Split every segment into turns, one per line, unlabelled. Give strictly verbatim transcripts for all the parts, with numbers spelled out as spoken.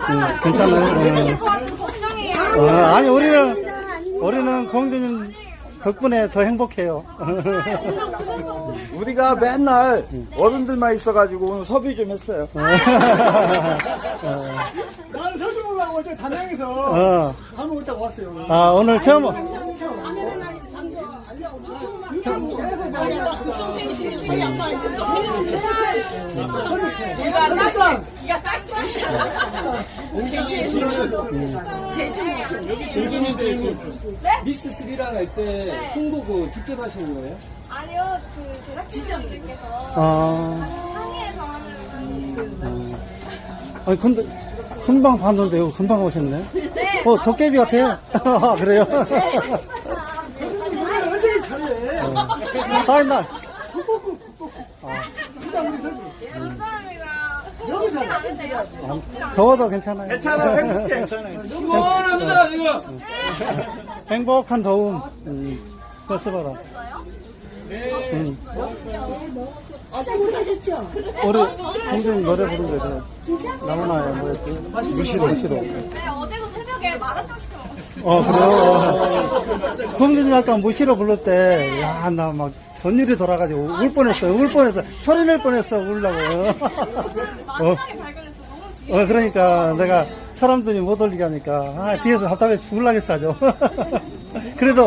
음, 괜찮아요. 어. 어, 아니, 우리는, 우리는 공주님 덕분에 더 행복해요.
우리가 맨날 어른들만 있어가지고 오늘 섭외 좀 했어요.
난 서주 보려고 어제 단양에서
어.
밥 먹을 때 왔어요.
아, 오늘 처음,
공주님 지금 미스 스리랑 할 때 승보고 직접 하시는 거예요?
아니요, 그 제작진분들께서
어,
상의해서 하는
아니, 근데, 금방 봤는데요. 금방 오셨네.
네.
어, 도깨비 같아요. 아, 그래요?
얼굴이 잘해.
아니, 나,
사람이랑
여기서
않은데요?
더워도 괜찮아요.
괜찮아, 행복해. 괜찮아.
시원합니다 지금.
행복한 더움. 음, 그거 써봐라. 음.
어제 못하셨죠?
우리 공주님 노래 부른 거 있잖아.
진짜?
나무나요, 뭐였지? 무시로. 무시로.
네, 어제도 새벽에 마라탕 시켜 먹었어요.
어, 그래요? 공주님 아까 무시로 부를 때, 야, 나 막, 전일이 돌아가지고 울 뻔했어요. 울 뻔했어. 소리 낼 뻔했어. 울라고. 어,
마지막에 발견했어. 너무 뒤에.
어, 그러니까 내가 사람들이 못 올리게 하니까, 아, 뒤에서 답답해 죽을라겠어, 아주. 그래도,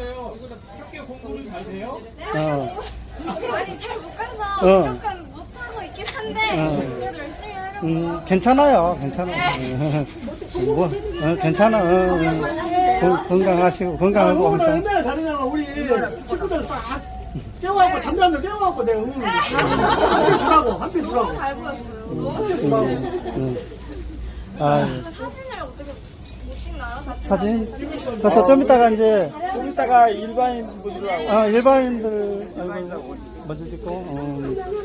어,
아니, 잘 못 가서
어.
조금 못하고 있긴 한데,
어.
그래도 열심히 하려고.
음, 괜찮아요. 괜찮아. 뭐, 어, 괜찮아. 어, 어. 건- 건강하시고, 건강하고
오늘
항상.
얼마나 다르냐면 우리 친구들 싹 깨워갖고 담배 한대 깨워갖고 내가 응. 한대 주라고 한대 주라고.
너무 잘 보였어요. 너무
음. 아,
사진을 어떻게 못 찍나요? 다
사진? 그래서 좀 이따가 이제,
좀 이따가 일반인 분들하고
아, 일반인들, 아이고, 먼저 찍고, 어.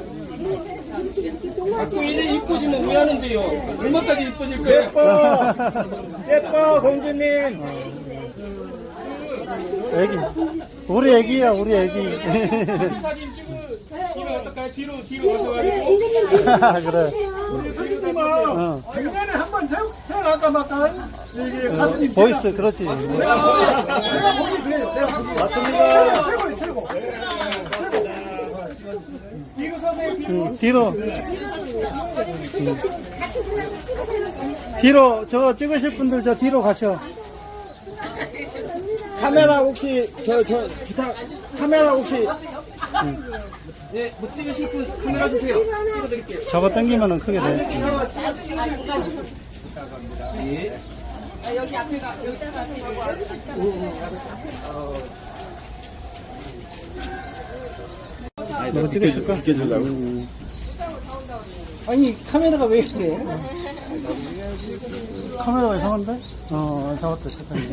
자꾸 이래 이뻐지면 왜 하는데요? 얼마까지 이뻐질 거예요?
예뻐, 예뻐, 공주님.
애기. 우리 애기야, 우리 애기.
사진 찍으면 어떨까요? 뒤로 뒤로 가셔가지고.
아, 그래.
우리 선생님은
어.
작년에 한번 태어날까 말까 이게 가슴이
보이스, 그렇지.
내가 보기 그래. 내가 보기 맞습니다. 최고 최고.
뒤로 서세요. 뒤로.
음, 뒤로. 음. 뒤로, 저 찍으실 분들 저 뒤로 가셔.
카메라 혹시 저 저 부탁 카메라 혹시
네, 못 찍으실 분 카메라 주세요. 찍어드릴게요.
잡아 당기면은 크게 돼. 너 찍으실까? 음.
아니 카메라가 왜 그래?
카메라가 이상한데? 어, 잡았다, 잠깐만.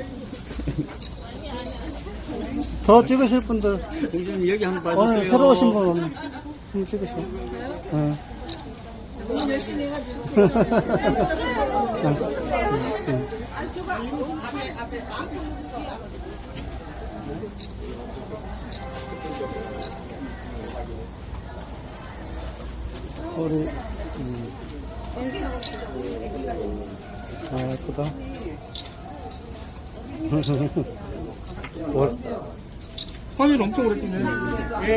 더 찍으실 분들.
공주님 여기 한번 봐주세요.
오늘 새로 오신 분 오늘 한번 찍으셔. 어. 너무 열심히 해가지고. 우리, 음. 아, 예쁘다. 월,
화면 엄청 오래 찍네.